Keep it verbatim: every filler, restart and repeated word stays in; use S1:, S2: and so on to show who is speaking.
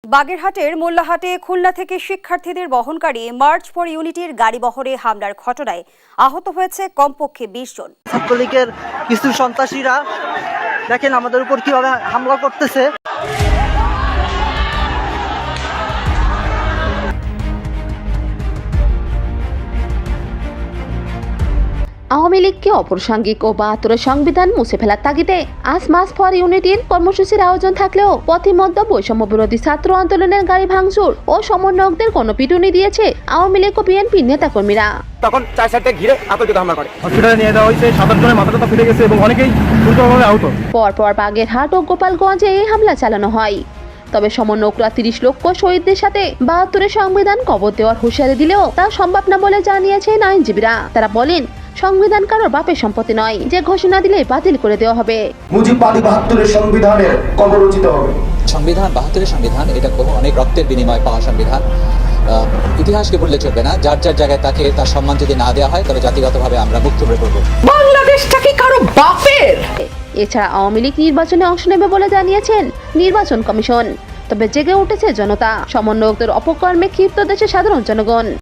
S1: বাগেরহাটের মোল্লাহাটে খুলনা থেকে শিক্ষার্থীদের বহনকারী মার্চ ফর ইউনিটির গাড়িবহরে হামলার ঘটনায় আহত হয়েছে কমপক্ষে বিশ জন।
S2: ছাত্রলীগের কিছু সন্ত্রাসীরা দেখেন আমাদের উপর কিভাবে হামলা করতেছে।
S3: আওয়ামী লীগকে অপ্রাসঙ্গিক ও বাহাত্তরের সংবিধান মুছে ফেলার তাগিদে আজ মার্চ ফর ইউনিটির কর্মসূচির আয়োজন থাকলেও পথিমধ্যে বৈষম্য বিরোধী ছাত্র আন্দোলনের গাড়ি ভাঙচুর ও সমন্বয়কদের গণপিটুনি দিয়েছে আওয়ামী লীগ ও বিএনপির নেতাকর্মীরা।
S4: তখন চার সাইডে ঘিরে আতঙ্কিত হামলা করে
S5: হসপিটালে নিয়ে যাওয়া হয়েছে। সাত আট জনের মাথাটা ফেটে গেছে এবং অনেকেই গুরুতরভাবে আহত।
S3: পরপর বাগেরহাট ও গোপালগঞ্জে এই হামলা চালানো হয়। তবে সমন্বয়করা তিরিশ লক্ষ শহীদদের সাথে বাহাত্তরের সংবিধান কবর দেওয়ার হুঁশিয়ারি দিলেও তা সম্ভব না বলে জানিয়েছেন আইনজীবীরা। তারা বলেন, সংবিধান কারোর বাপের সম্পত্তি নয় যে ঘোষণা দিলে বাতিল করে দেওয়া হবে।
S6: মুজিববাদী বাহাত্তরের সংবিধানের কবর রচিত হবে।
S7: সংবিধান বাহাত্তরের সংবিধান এটা বহু অনেক রক্তের বিনিময়ে পাওয়া সংবিধান। ইতিহাসকে ভুললে চলবে না। যার যার জায়গায় তাকে তার সম্মান যদি না দেওয়া হয় তবে জাতিগতভাবে আমরা মুক্ত হয়ে পড়ব।
S8: বাংলাদেশটা কি কারো বাপের?
S3: এছাড়া আওয়ামী লীগ নির্বাচনে অংশ নেবে বলে জানিয়েছেন নির্বাচন কমিশন। তবে জেগে উঠেছে জনতা। সমন্বয়কদের অপকর্মে ক্ষিপ্ত দেশের সাধারণ জনগণ।